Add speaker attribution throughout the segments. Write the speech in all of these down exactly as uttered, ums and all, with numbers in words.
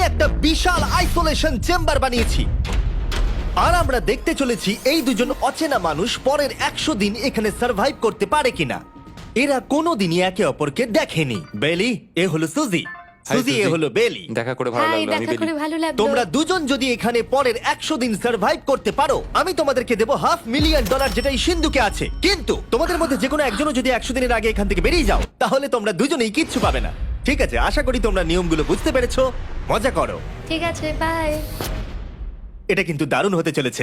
Speaker 1: একটা বিশাল isolation chamber বানিয়েছি, আর আমরা দেখতে চলেছি এই দুজন অচেনা মানুষ পরের একশো দিন এখানে সার্ভাইভ করতে পারে কিনা। এরা কোনোদিনই একে অপরকে দেখেনি। বেলি, এ হলো সুজি, সুজি এ
Speaker 2: সুজি।
Speaker 1: হলো বেলি।
Speaker 2: দেখা করে ভালো
Speaker 3: হাই,
Speaker 2: লাগলো। আমি
Speaker 3: দেখা
Speaker 2: বেলি।
Speaker 3: করে ভালো লাগলো।
Speaker 1: তোমরা দুজন যদি এখানে পরের একশো দিন সার্ভাইভ করতে পারো, আমি তোমাদেরকে দেবো হাফ মিলিয়ন ডলার, যেটা এই সিন্ধুকে আছে। কিন্তু তোমাদের মধ্যে যে কোনো একজনও যদি একশো দিনের আগে এখান থেকে বেরিয়ে যাও, তাহলে তোমরা দুজনেই কিচ্ছু পাবে না। ঠিক আছে, আশা করি তোমরা নিয়মগুলো বুঝতে পেরেছো। মজা করো।
Speaker 3: ঠিক আছে, বাই।
Speaker 1: এটা কিন্তু দারুণ হতে চলেছে।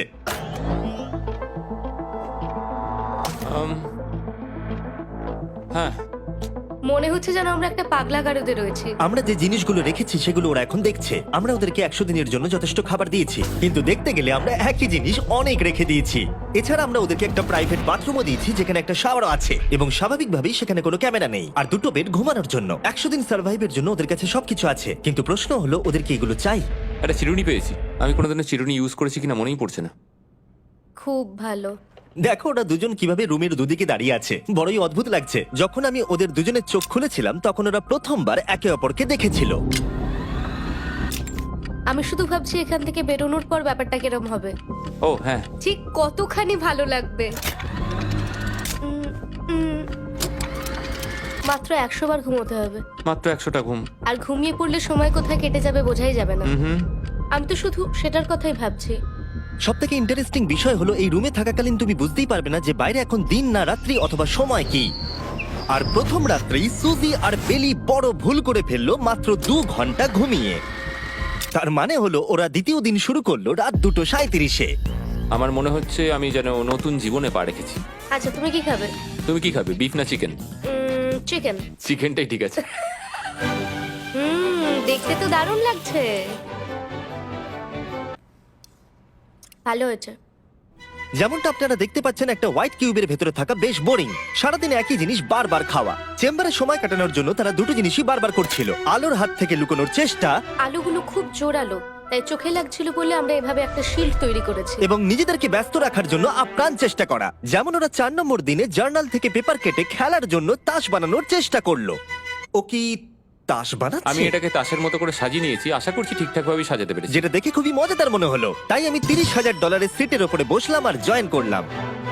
Speaker 2: Um, হ্যাঁ,
Speaker 3: মনে হচ্ছে যেন আমরা একটা পাগলা গারদে রয়েছি।
Speaker 1: আমরা যে জিনিসগুলো রেখেছি সেগুলো ওরা এখন দেখছে। আমরা ওদেরকে একশো দিনের জন্য যথেষ্ট খাবার দিয়েছি, কিন্তু দেখতে গেলে আমরা একই জিনিস অনেক রেখে দিয়েছি। এছাড়া আমরা ওদেরকে একটা প্রাইভেট বাথরুমও দিয়েছি, যেখানে একটা শাওয়ারও আছে, এবং স্বাভাবিকভাবেই সেখানে কোনো ক্যামেরা নেই, আর দুটো বেড ঘুমানোর জন্য। একশো দিন সার্ভাইভের জন্য ওদের কাছে সবকিছু আছে, কিন্তু প্রশ্ন হলো ওদেরকে এগুলো চাই।
Speaker 2: একটা চিরুনি পেয়েছি। আমি কোনোদিনও চিরুনি ইউজ করেছি কিনা মনেই পড়ছে না।
Speaker 3: খুব ভালো।
Speaker 1: দেখো ওরা দুজন কিভাবে রুমের দুদিকে দাঁড়িয়ে আছে, বড়ই অদ্ভুত লাগছে। যখন আমি ওদের দুজনের চোখ খুলেছিলাম, তখন ওরা প্রথমবার একে অপরকে দেখেছিল।
Speaker 3: আমি শুধু ভাবছি এখান থেকে বেরোনোর পর ব্যাপারটা কিরম হবে।
Speaker 2: ও হ্যাঁ,
Speaker 3: ঠিক কতখানি ভালো লাগবে। উম, উম, মাত্র একশো বার ঘুমোতে হবে,
Speaker 2: মাত্র একশোটা ঘুম।
Speaker 3: আর ঘুমিয়ে পড়লে সময় কোথায় কেটে যাবে বোঝাই যাবে না।
Speaker 2: হুম হুম।
Speaker 3: আমি তো শুধু সেটার কথাই ভাবছি।
Speaker 1: সব থেকে ইন্টারেস্টিং বিষয় হলো এই রুমে থাকাকালীন তুমি বুঝতেই পারবে না যে বাইরে এখন দিন না রাত্রি অথবা সময় কি। আর প্রথম রাত্রেই সুজি আর বেলি বড় ভুল করে ফেললো মাত্র দু ঘন্টা ঘুমিয়ে। তার মানে হলো ওরা দ্বিতীয় দিন শুরু করলো রাত দুটো সাঁইত্রিশে।
Speaker 2: আমার মনে হচ্ছে আমি যেন নতুন জীবনে পা রেখেছি।
Speaker 3: আচ্ছা, তুমি কি খাবে?
Speaker 2: তুমি কি খাবে, বিফ না চিকেন?
Speaker 3: চিকেন।
Speaker 2: চিকেনটাই ঠিক আছে।
Speaker 3: হুম, দেখতে তো দারুণ লাগছে। ভালো হয়েছে।
Speaker 1: যেমনটা আপনারা দেখতে পাচ্ছেন, একটা হোয়াইট কিউবের ভেতরে থাকা বেশ বোরিং। সারাদিন একই জিনিস বারবার খাওয়া। চেম্বারে সময় কাটানোর জন্য তারা দুটো জিনিসই বারবার করছিল: আলোর হাত থেকে লুকোনোর চেষ্টা
Speaker 3: আলুগুলো খুব জোরালো, তাই চোখে লাগছিল বলে আমরা এভাবে একটা শিল্ড তৈরি করেছি।
Speaker 1: এবং নিজেদেরকে ব্যস্ত রাখার জন্য আপ্রাণ চেষ্টা করা। যেমন ওরা চার নম্বর দিনে জার্নাল থেকে পেপার কেটে খেলার জন্য তাস বানানোর চেষ্টা করলো। ও কি তাস বানাচ্ছে?
Speaker 2: আমি এটাকে তাসের মতো করে সাজিয়ে নিয়েছি, আশা করছি ঠিকঠাক ভাবে সাজাতে পেরেছি।
Speaker 1: যেটা দেখে খুবই মজাদার মনে হলো, তাই আমি তিরিশ হাজার ডলারের সিটের ওপরে বসলাম আর জয়েন করলাম।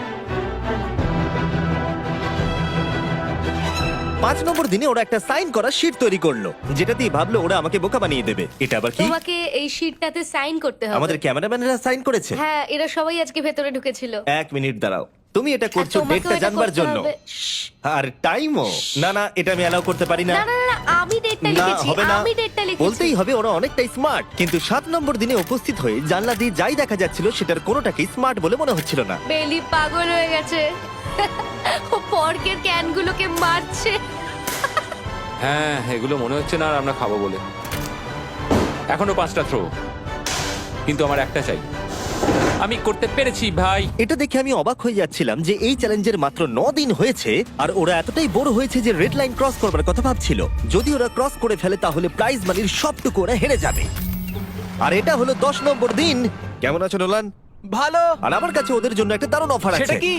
Speaker 1: পাঁচ নম্বর দিনে ওরা একটা সাইন করা শিট তৈরি করলো, যেটা দিয়ে ভাবলো ওরা আমাকে বোকা বানিয়ে দেবে। এটা আবার কি?
Speaker 3: তোমাকে এই শিটটাতে সাইন করতে হবে।
Speaker 1: আমাদের ক্যামেরাম্যানেরা সাইন করেছে।
Speaker 3: হ্যাঁ, এরা সবাই আজকে ভেতরে ঢুকেছিল।
Speaker 1: এক মিনিট দাঁড়াও, তুমি এটা
Speaker 3: আর
Speaker 1: করছো
Speaker 3: তোমাকেও
Speaker 1: ডেটটা
Speaker 3: এটা
Speaker 1: জানবার
Speaker 3: করতে
Speaker 1: জন্য,
Speaker 3: হবে। শ্শ্।
Speaker 1: আর টাইমও। না না, এটা আমি অ্যালাউ করতে পারি না।
Speaker 3: না না না, আমি ডেটটা
Speaker 1: না,
Speaker 3: লিখেছি।
Speaker 1: হবে না।
Speaker 3: আমি ডেটটা লিখেছি।
Speaker 1: বলতেই হবে ওরা অনেকটাই স্মার্ট, কিন্তু সাত নম্বর দিনে উপস্থিত হয়ে জানলা দিয়ে যাই দেখা যাচ্ছিল সেটার কোনোটাকেই স্মার্ট বলে মনে হচ্ছিল না।
Speaker 3: বেলি পাগল হয়ে গেছে। ও পর্কের ক্যানগুলোকে মারছে।
Speaker 2: হ্যাঁ, এগুলো মনে হচ্ছে না আর আমরা খাবো বলে। এখনো পাঁচটা থ্রো, কিন্তু আমার একটা চাই। আমি করতে পেরেছি ভাই।
Speaker 1: এটা দেখে আমি অবাক হয়ে যাচ্ছিলাম যে এই চ্যালেঞ্জের মাত্র ন দিন হয়েছে আর ওরা এতটাই বোর হয়েছে যে রেড লাইন ক্রস করবার কথা ভাবছিল। যদি ওরা ক্রস করে ফেলে তাহলে প্রাইজ মানির সবটুকু ওরা হেরে যাবে। আর এটা হলো দশ নম্বর দিন। কেমন আছো নোলান?
Speaker 4: ভালো।
Speaker 1: আর আমার কাছে ওদের জন্য একটা দারুণ অফার আছে।
Speaker 4: সেটা কি?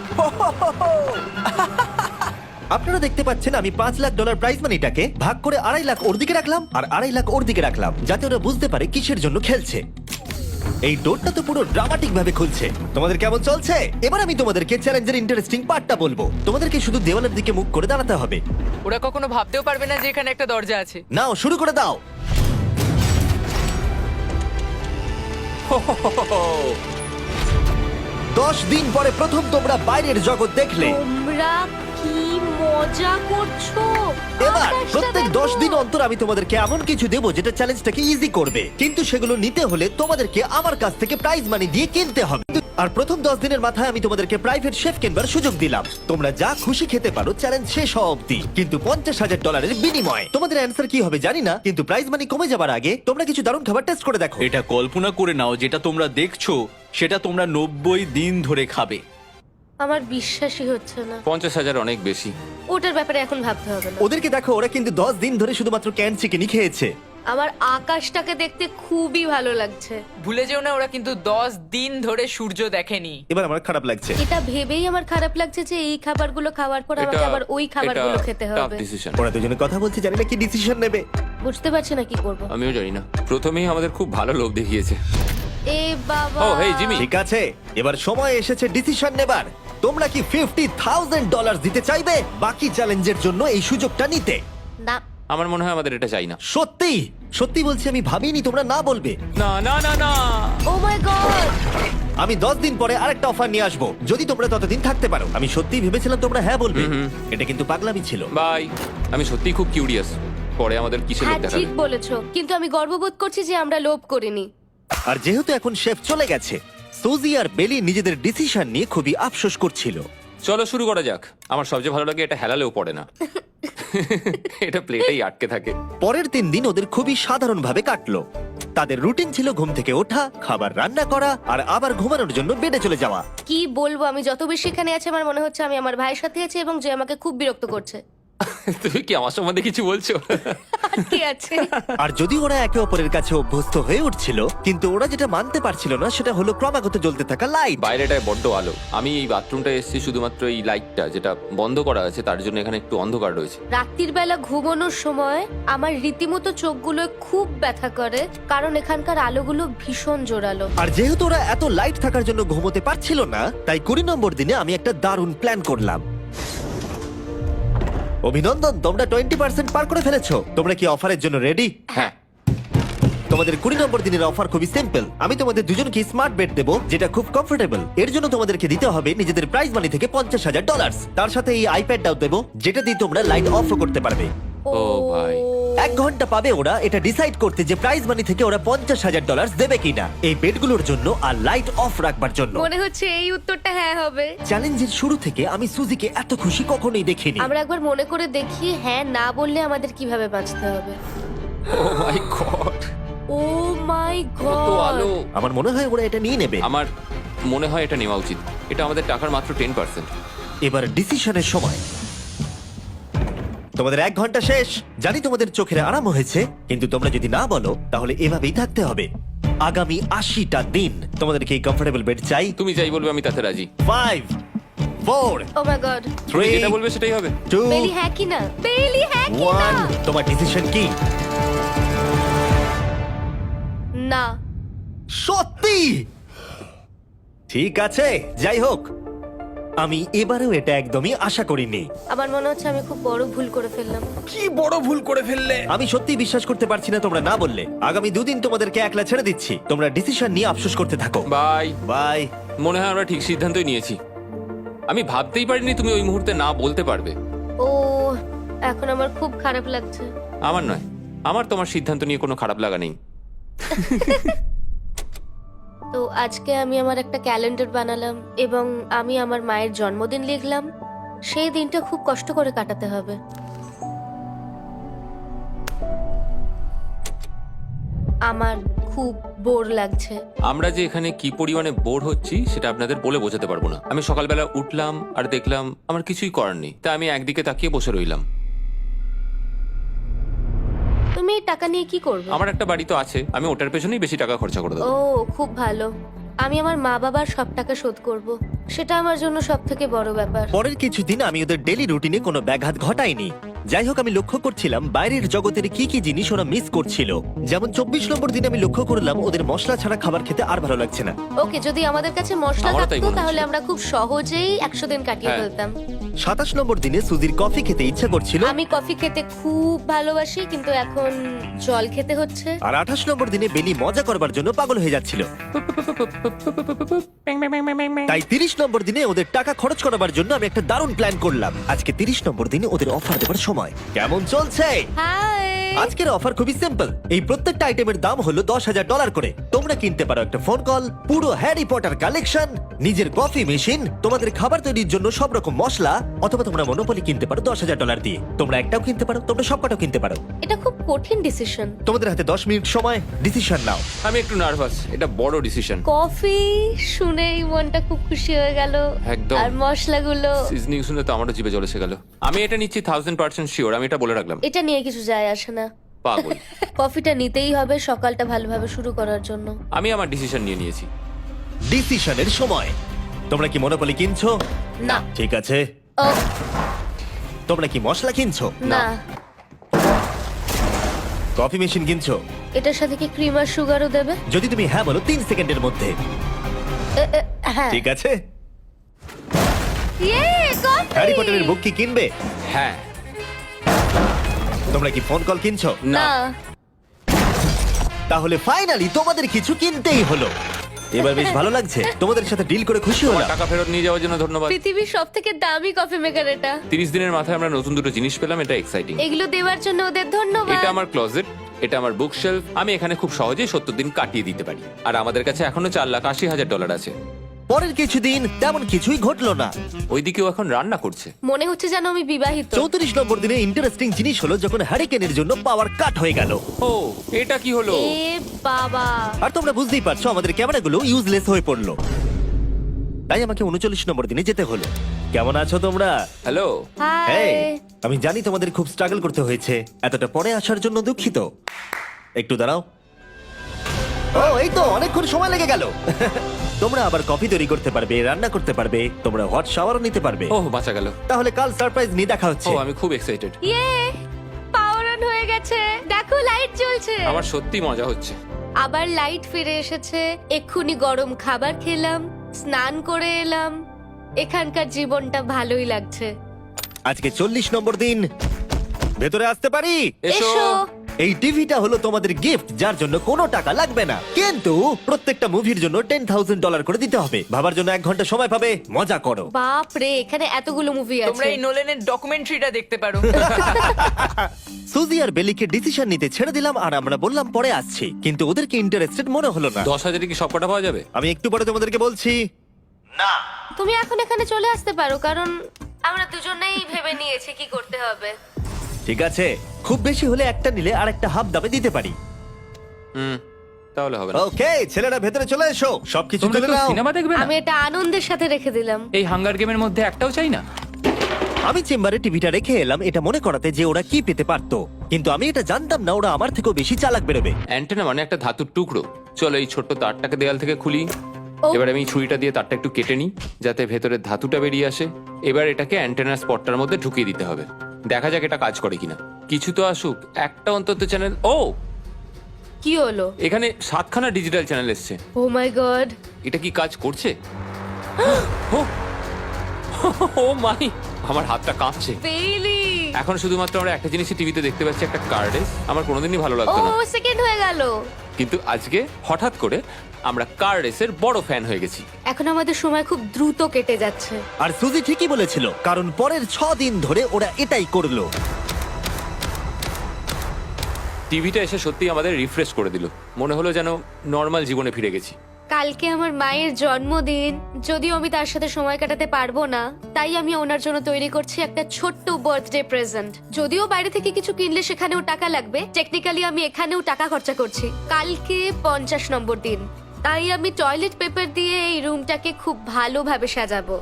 Speaker 1: আপনারা দেখতে পাচ্ছেন আমি পাঁচ লাখ ডলার প্রাইজ মানিটাকে ভাগ করে আড়াই লাখ ওর দিকে রাখলাম আর আড়াই লাখ ওর দিকে রাখলাম, যাতে ওরা বুঝতে পারে কিসের জন্য খেলছে। এই ডোরটা তো পুরো ড্রামাটিক ভাবে খুলছে। তোমাদের কেমন চলছে? এবার আমি তোমাদেরকে চ্যালেঞ্জের ইন্টারেস্টিং পার্টটা বলবো। তোমাদেরকে শুধু দেওয়ালের দিকে মুখ করে দাঁড়াতে হবে।
Speaker 4: ওরা কখনো ভাবতেও পারবে না যে এখানে একটা দরজা আছে।
Speaker 1: নাও শুরু করে দাও। দশ দিন পরে প্রথম তোমরা বাইরের জগৎ দেখলে।
Speaker 3: তোমরা কি মজা করছো?
Speaker 1: এবার
Speaker 3: আকাশটা
Speaker 1: প্রত্যেক
Speaker 3: দেখো।
Speaker 1: দশ দিন অন্তর আমি তোমাদেরকে এমন কিছু দেবো যেটা চ্যালেঞ্জটাকে ইজি করবে, কিন্তু সেগুলো নিতে হলে তোমাদেরকে আমার কাছ থেকে প্রাইজ মানি দিয়ে কিনতে হবে। আর প্রথম দশ দিনের মাথায় আমি তোমাদেরকে প্রাইভেট শেফ কেনবার সুযোগ দিলাম। তোমরা যা খুশি খেতে পারো চ্যালেঞ্জ শেষ হওয়া অব্দি, কিন্তু পঞ্চাশ হাজার ডলারের বিনিময়। তোমাদের অ্যান্সার কি হবে জানি না, কিন্তু প্রাইজ মানি কমে যাবার আগে তোমরা কিছু দারুণ খাবার টেস্ট করে দেখো।
Speaker 5: এটা কল্পনা করে নাও, যেটা তোমরা দেখছো সেটা তোমরা নব্বই দিন ধরে খাবে।
Speaker 3: আমার বিশ্বাসই হচ্ছে না।
Speaker 2: পঞ্চাশ হাজার অনেক বেশি।
Speaker 3: ওটার ব্যাপারে এখন ভাবতে হবে না।
Speaker 1: ওদেরকে দেখো, ওরা কিন্তু দশ দিন ধরে শুধুমাত্র ক্যান চিকেনই খেয়েছে।
Speaker 3: আমার আকাশটাকে দেখতে খুবই ভালো লাগছে।
Speaker 4: ভুলে যেও না, ওরা কিন্তু দশ দিন ধরে সূর্য দেখেনি।
Speaker 1: এবার আমার খারাপ লাগছে।
Speaker 3: এটা ভেবেই আমার খারাপ লাগছে যে এই খাবারগুলো খাওয়ার পর আমাকে আবার ওই খাবারগুলো খেতে হবে।
Speaker 2: ডিসিশন।
Speaker 1: ওরা দুজনে কথা বলছে, জানি না কি ডিসিশন নেবে।
Speaker 3: বুঝতে পারছি না কি করব।
Speaker 2: আমিও জানি না, প্রথমেই আমাদের খুব ভালো লোভ দেখিয়েছে।
Speaker 3: এ বাবা।
Speaker 2: ও হেই জিমি,
Speaker 1: ঠিক আছে, এবার সময় এসেছে ডিসিশন নেবার। তোমরা কি ফিফটি থাউজেন্ড ডলার দিতে চাইবে বাকি চ্যালেঞ্জের জন্য এই সুযোগটা নিতে?
Speaker 3: না।
Speaker 2: আমার মনে হয় আমাদের এটা চাই না।
Speaker 1: সত্যি সত্যি বলছি, আমি ভাবিনি তোমরা না বলবে।
Speaker 2: না না না না,
Speaker 3: ও মাই গড।
Speaker 1: আমি দশ দিন পরে আরেকটা অফার নিয়ে আসবো, যদি তোমরা ততদিন থাকতে পারো। আমি সত্যি ভেবেছিলাম তোমরা হ্যাঁ বলবে। এটা কিন্তু পাগলামি ছিল।
Speaker 2: বাই। আমি সত্যিই খুব কিউরিয়াস, পরে আমাদের কিসের
Speaker 3: হ্যাঁ
Speaker 2: লোভ দেখাবে।
Speaker 3: ঠিক বলেছো, কিন্তু আমি গর্ববোধ করছি যে আমরা লোভ করিনি।
Speaker 1: আর যেহেতু এখন শেফ চলে গেছে, সুজি আর বেলি নিজেদের ডিসিশন নিয়ে খুবই আফসোস করছিল।
Speaker 2: চলো শুরু করা যাক। আমার সবচেয়ে ভালো লাগে এটা হেলালেও পড়ে না। এটা প্লেটেই আটকে থাকে।
Speaker 1: পরের তিন দিন ওদের খুবই সাধারণভাবে কাটলো। তাদের রুটিন ছিল ঘুম থেকে ওঠা, খাবার রান্না করা আর আবার ঘুমানোর জন্য বেডে চলে যাওয়া।
Speaker 3: কি বলবো, আমি যত বেশি এখানে আছি আমার মনে হচ্ছে আমি আমার ভাইয়ের সাথে আছি এবং যে আমাকে খুব বিরক্ত করছে।
Speaker 2: তুমি কি আমার সম্বন্ধে কিছু বলছো?
Speaker 3: আর কি আছে?
Speaker 1: আর যদি ওরা একে অপরের কাছে অভ্যস্ত হয়ে উঠছিল, কিন্তু ওরা যেটা মানতে পারছিল না সেটা হলো ক্রমাগত জ্বলতে থাকা লাইট।
Speaker 2: বাইরেটায় বড্ড আলো। আমি এই বাথরুমটা এসেছি শুধুমাত্র এই লাইটটা যেটা বন্ধ করা আছে তার জন্য এখানে একটু অন্ধকার রয়েছে।
Speaker 3: রাত্রির বেলা ঘুমানোর সময় আমার রীতিমতো চোখগুলো খুব ব্যথা করে, কারণ এখানকার আলোগুলো ভীষণ জোরালো।
Speaker 1: আর যেহেতু ওরা এত লাইট থাকার জন্য ঘুমোতে পারছিল না, তাই কুড়ি নম্বর দিনে আমি একটা দারুণ প্ল্যান করলাম। অভিনন্দন, তোমরা টোয়েন্টি পার্সেন্ট পার করে ফেলেছো। তোমরা কি অফারের জন্য রেডি?
Speaker 2: হ্যাঁ।
Speaker 1: তোমাদের কুড়ি নম্বর দিনের অফার খুবই সিম্পল। আমি তোমাদের দুজনকে স্মার্ট বেড দেবো, যেটা খুব কমফোর্টেবল। এর জন্য তোমাদেরকে দিতে হবে নিজেদের প্রাইজ মানি থেকে পঞ্চাশ হাজার ডলার। তার সাথে এই আইপ্যাডটাও দেবো, যেটা দিয়ে তোমরা লাইট অফ করতে পারবে।
Speaker 2: ও ভাই।
Speaker 1: এক ঘন্টা পাবে ওরা এটা ডিসাইড করতে যে প্রাইজ মানি থেকে ওরা পঞ্চাশ হাজার ডলার দেবে কিনা এই বেডগুলোর জন্য আর লাইট অফ রাখবার জন্য।
Speaker 3: মনে হচ্ছে এই উত্তরটা হ্যাঁ হবে।
Speaker 1: চ্যালেঞ্জের শুরু থেকে আমি সুজিকে এত খুশি কখনোই দেখিনি।
Speaker 3: আমরা একবার মনে করে দেখি হ্যাঁ না বললে আমাদের কিভাবে বাঁচতে হবে।
Speaker 2: ও মাই গড,
Speaker 3: ও মাই
Speaker 2: কত
Speaker 3: গড।
Speaker 2: আলো।
Speaker 1: আমার মনে হয় ওরা এটা নিয়ে নেবে।
Speaker 2: আমার মনে হয় এটা নেওয়া উচিত। এটা আমাদের টাকার মাত্র টেন পার্সেন্ট।
Speaker 1: এবার ডিসিশনের সময়। তোমাদের এক ঘন্টা শেষ। জানি তোমাদের চোখের আরাম হয়েছে, কিন্তু তোমরা যদি না বলো তাহলে এভাবেই থাকতে হবে আগামী আশিটা দিন। তোমাদেরকে এই কমফোর্টেবল বেড চাই।
Speaker 2: তুমি যাই বলবে আমি তাতে রাজি।
Speaker 1: Five, four,
Speaker 3: oh my god.
Speaker 2: তুমি
Speaker 1: থ্রি,
Speaker 2: যেটা বলবে সেটাই হবে।
Speaker 1: টু,
Speaker 3: বেলি হ্যাঁ কি না? বেলি হ্যাঁ কি না?
Speaker 1: ওয়ান। তোমার ডিসিশন কি?
Speaker 3: না।
Speaker 1: সত্যি? ঠিক আছে, যাই হোক, আমি এবারেও এটা একদমই আশা করিনি।
Speaker 3: আমার মনে হচ্ছে আমি খুব বড় ভুল করে ফেললাম।
Speaker 5: কি বড় ভুল করে ফেললে।
Speaker 1: আমি সত্যি বিশ্বাস করতে পারছি না তোমরা না বললে। আগামী দুদিন তোমাদেরকে একলা ছেড়ে দিচ্ছি। তোমরা ডিসিশন নিয়ে আফসোস করতে থাকো।
Speaker 2: বাই।
Speaker 1: বাই।
Speaker 2: মনে হয় আমরা ঠিক সিদ্ধান্তই নিয়েছি। আমি ভাবতেই পারিনি তুমি ওই মুহূর্তে না বলতে পারবে।
Speaker 3: ও এখন আমার খুব খারাপ লাগছে।
Speaker 2: আমার নয়, আমার তোমার সিদ্ধান্ত নিয়ে কোনো খারাপ লাগা নেই।
Speaker 3: তো আজকে আমি আমার একটা ক্যালেন্ডার বানালাম এবং আমি আমার মায়ের জন্মদিন লিখলাম। সেই দিনটা খুব কষ্ট করে কাটাতে হবে। আমার খুব বোর লাগছে।
Speaker 2: আমরা যে এখানে কি পরিমাণে বোর হচ্ছি সেটা আপনাদের বলে বোঝাতে পারবো না। আমি সকালবেলা উঠলাম আর দেখলাম আমার কিছুই করার নেই, তাই আমি একদিকে তাকিয়ে বসে রইলাম।
Speaker 3: তুমি এই টাকা নিয়ে কি করবে?
Speaker 2: আমার একটা বাড়ি তো আছে, আমি ওটার পেছনেই বেশি টাকা খরচা করে
Speaker 3: ও
Speaker 2: দেবো।
Speaker 3: খুব ভালো। আমি আমার মা বাবার সব টাকা শোধ করব। সেটা আমার জন্য সব থেকে বড় ব্যাপার।
Speaker 1: পরের কিছুদিন আমি ওদের ডেলি রুটিনে কোনো ব্যাঘাত ঘটাইনি। যাই হোক, আমি লক্ষ্য করছিলাম বাইরের জগতের কি কি জিনিস ওরা মিস করছিল। যেমন চব্বিশ নম্বর দিনে আমি লক্ষ্য করলাম ওদের মশলা ছাড়া খাবার খেতে আর ভালো লাগছে না।
Speaker 3: ওকে, যদি আমাদের কাছে মশলা
Speaker 2: আমারও তাই
Speaker 3: থাকতো
Speaker 2: মনে
Speaker 3: তাহলে
Speaker 2: হচ্ছে।
Speaker 3: আমরা খুব সহজেই একশো দিন কাটিয়ে
Speaker 2: হ্যাঁ।
Speaker 3: ফেলতাম।
Speaker 1: সাতাশ নম্বর দিনে সুজির কফি খেতে ইচ্ছা করছিল,
Speaker 3: আমি কফি খেতে খুব ভালোবাসি, কিন্তু এখন জল খেতে হচ্ছে।
Speaker 1: আর আঠাশ নম্বর দিনে বেলি মজা করবার জন্য পাগল হয়ে যাচ্ছিল। তাই তিরিশ নম্বর দিনে ওদের টাকা খরচ করাবার জন্য আমি একটা দারুণ প্ল্যান করলাম। আজকে তিরিশ নম্বর দিনে ওদের অফার দেবার সময়। কেমন চলছে?
Speaker 3: হাই।
Speaker 1: আজকের অফার খুবই সিম্পল। এই প্রত্যেকটা আইটেমের দাম হলো দশ হাজার ডলার করে। তোমরা কিনতে পারো একটা ফোন কল, পুরো হ্যারি পটার কালেকশন, নিজের কফি মেশিন, তোমাদের খাবার তৈরির জন্য সব রকম মশলা, অথবা তোমরা মনোপলি কিনতে পারো দশ হাজার ডলার দিয়ে। তোমরা একটাও কিনতে পারো, তোমরা সবকটাও কিনতে পারো।
Speaker 3: এটা খুব কঠিন ডিসিশন।
Speaker 1: তোমাদের হাতে দশ মিনিট সময়, ডিসিশন নাও।
Speaker 2: আমি একটু নার্ভাস, এটা বড় ডিসিশন।
Speaker 3: কফি শুনেই মনটা খুব খুশি হয়ে গেল।
Speaker 2: একদম।
Speaker 3: আর মশলাগুলো।
Speaker 2: সিজনিং শুনে তো আমারও জিভে জল এসে গেল। আমি এটা নিচ্ছি থাউজেন্ড পার্সেন্ট শিওর, আমি এটা বলে রাখলাম।
Speaker 3: এটা নিয়ে কিছু যায় আসে না।
Speaker 2: পাগল।
Speaker 3: কফিটা নিতেই হবে সকালটা ভালোভাবে শুরু করার জন্য।
Speaker 2: আমি আমার ডিসিশন নিয়ে নিয়েছি।
Speaker 1: ডিসিশনের সময়। তোমরা কি মনোপলি কিনছো?
Speaker 3: না।
Speaker 1: ঠিক আছে।
Speaker 3: ও
Speaker 1: তোমরা কি মশলা কিনছো?
Speaker 3: না।
Speaker 1: কফি মেশিন কিনছো?
Speaker 3: এটার সাথে কি ক্রিম আর সুগারও দেবে?
Speaker 1: যদি তুমি হ্যাঁ বলো তিন সেকেন্ডের মধ্যে।
Speaker 3: এ, এ, হ্যাঁ।
Speaker 1: ঠিক আছে।
Speaker 3: ইয়ে, কফি!
Speaker 1: হ্যারি পটারের বুক কি কিনবে?
Speaker 2: হ্যাঁ।
Speaker 1: তোমরা কি ফোন কল কিনছো?
Speaker 3: না।
Speaker 1: তাহলে ফাইনালি তোমাদের কিছু কিনতেই হলো। এবার বেশ ভালো লাগছে। তোমাদের সাথে ডিল করে খুশি
Speaker 2: তোমার
Speaker 1: হলাম।
Speaker 2: টাকা ফেরত নিয়ে যাওয়ার জন্য ধন্যবাদ।
Speaker 3: পৃথিবীর সব থেকে দামি কফি মেকার এটা।
Speaker 2: তিরিশ দিনের মাথায় আমরা নতুন দুটো জিনিস পেলাম, এটা এক্সাইটিং।
Speaker 3: এগুলো দেওয়ার জন্য ওদের ধন্যবাদ।
Speaker 2: এটা আমার ক্লোজেট, এটা আমার বুক শেলফ। আমি এখানে খুব সহজেই সত্তর দিন কাটিয়ে দিতে পারি। আর আমাদের কাছে এখনো চার লাখ আশি হাজার ডলার আছে।
Speaker 1: পরের কিছুদিন তেমন কিছুই ঘটলো না।
Speaker 2: ওইদিকেও এখন রান্না করছে।
Speaker 3: মনে হচ্ছে যেন আমি বিবাহিত।
Speaker 1: চৌত্রিশ নম্বর দিনে ইন্টারেস্টিং জিনিস হলো যখন হ্যারিকেনের জন্য পাওয়ার কাট হয়ে গেল।
Speaker 2: ও, এটা কি হলো?
Speaker 3: এ বাবা!
Speaker 1: আর তোমরা বুঝতেই পারছো আমাদের ক্যামেরাগুলো ইউজলেস হয়ে পড়লো। তাই আমাকে উনচল্লিশ নম্বর দিনে যেতে হলো। কেমন আছো তোমরা?
Speaker 2: হ্যালো।
Speaker 3: হাই।
Speaker 1: এই, আমি জানি তোমাদের খুব স্ট্রাগল করতে হয়েছে। এতটা পরে আসার জন্য দুঃখিত। একটু দাঁড়াও। ও, এই তো অনেকক্ষণ সময় লেগে গেল। তোমরা আবার কফি তৈরি করতে পারবে, রান্না করতে পারবে, তোমরা হট শাওয়ারও নিতে পারবে।
Speaker 2: ও, বাঁচা গেল।
Speaker 1: তাহলে কাল সারপ্রাইজ নিয়ে দেখা
Speaker 2: ও,
Speaker 1: হচ্ছে।
Speaker 2: আমি খুব এক্সাইটেড।
Speaker 3: ইয়ে! পাওয়ার অন হয়ে গেছে। দেখো লাইট জ্বলছে।
Speaker 2: আমার সত্যি মজা হচ্ছে।
Speaker 3: আবার লাইট ফিরে এসেছে। এক্ষুনি গরম খাবার খেলাম, স্নান করে এলাম। এখানকার জীবনটা ভালোই লাগছে।
Speaker 1: আজকে চল্লিশ নম্বর দিন। ভেতরে আসতে পারি?
Speaker 2: এসো।
Speaker 3: এসো।
Speaker 1: এই টিভিটা হলো তোমাদের গিফট, যার জন্য কোনো টাকা লাগবে না, কিন্তু প্রত্যেকটা মুভির জন্য টেন থাউজেন্ড ডলার করে দিতে হবে। ভাবার জন্য এক ঘন্টা সময় পাবে। মজা করো।
Speaker 3: বাপ রে, এখানে এতগুলো মুভি
Speaker 4: তোমরা
Speaker 3: আছে।
Speaker 4: এই নোলেনের ডকুমেন্টারিটা দেখতে পারো।
Speaker 1: সুজি আর বেলিকে ডিসিশন নিতে ছেড়ে দিলাম আর আমরা বললাম পরে আসছি, কিন্তু ওদেরকে ইন্টারেস্টেড মনে হলো না।
Speaker 2: দশ হাজারে কি সবকটা পাওয়া যাবে?
Speaker 1: আমি একটু পরে তোমাদেরকে বলছি।
Speaker 3: তুমি এখন এখানে চলে আসতে পারো, কারণ আমরা দুজনেই ভেবে নিয়েছি কি করতে হবে।
Speaker 1: ঠিক আছে, খুব বেশি হলে একটা নিলে আর একটা হাফ দামে দিতে পারি।
Speaker 2: হুম, তাহলে হবে না।
Speaker 1: ওকে, ছেলেরা ভেতরে চলে এসো, সবকিছু
Speaker 6: তোমরা
Speaker 1: তুলে
Speaker 6: কেউ
Speaker 1: নাও।
Speaker 6: সিনেমা দেখবে না?
Speaker 3: আমি এটা আনন্দের সাথে রেখে দিলাম।
Speaker 6: এই হাঙ্গার গেমের মধ্যে একটাও চাই না।
Speaker 1: আমি চেম্বারে টিভিটা রেখে এলাম এটা মনে করাতে যে ওরা কি পেতে পারতো, কিন্তু আমি এটা জানতাম না ওরা আমার থেকেও বেশি চালাক বেরোবে।
Speaker 2: অ্যান্টেনা মানে একটা ধাতুর টুকরো। চলো এই ছোট্ট তারটাকে দেয়াল থেকে খুলি।
Speaker 3: ও।
Speaker 2: এবার আমি ছুরিটা দিয়ে তারটা একটু কেটে নিই যাতে ভেতরের ধাতুটা বেরিয়ে আসে। এবার এটাকে অ্যান্টেনার স্পটটার মধ্যে ঢুকিয়ে দিতে হবে। দেখা যাক এটা কাজ করে কিনা। কিছু তো আসুক, একটা অন্তত চ্যানেল। ও,
Speaker 3: কি হলো?
Speaker 2: এখানে সাতখানা ডিজিটাল চ্যানেল এসছে।
Speaker 3: Oh my god!
Speaker 2: এটা কি কাজ করছে? ও, ও মাই, আমার হাতটা কাঁপছে।
Speaker 3: বেইলি!
Speaker 2: এখন শুধুমাত্র আমরা একটা জিনিসই টিভিতে দেখতে পাচ্ছি, একটা কার্ডে। আমার কোনোদিনই ভালো
Speaker 3: ও
Speaker 2: লাগতো না,
Speaker 3: সেকেন্ড হয়ে গেল।
Speaker 2: কিন্তু আজকে হঠাৎ করে আমরা কার রেসের বড় ফ্যান হয়ে গেছি।
Speaker 3: এখন আমাদের সময় খুব দ্রুত কেটে যাচ্ছে।
Speaker 1: আর সুজি ঠিকই বলেছিল, কারণ পরের ছ দিন ধরে ওরা এটাই করলো।
Speaker 2: টিভিটা এসে সত্যি আমাদের রিফ্রেশ করে দিল। মনে হলো যেন নর্মাল জীবনে ফিরে গেছি।
Speaker 3: কালকে আমার মায়ের জন্মদিন, যদিও আমি তার সাথে সময় কাটাতে পারবো না, তাই আমি ওনার জন্য তৈরি করছি একটা ছোট্ট বার্থডে প্রেজেন্ট। যদিও বাইরে থেকে কিছু কিনলে সেখানেও টাকা লাগবে, টেকনিক্যালি আমি এখানেও টাকা খরচা করছি। কালকে পঞ্চাশ নম্বর দিন, তাই আমি টয়লেট পেপার দিয়ে এই রুমটাকে খুব ভালোভাবে সাজাবো।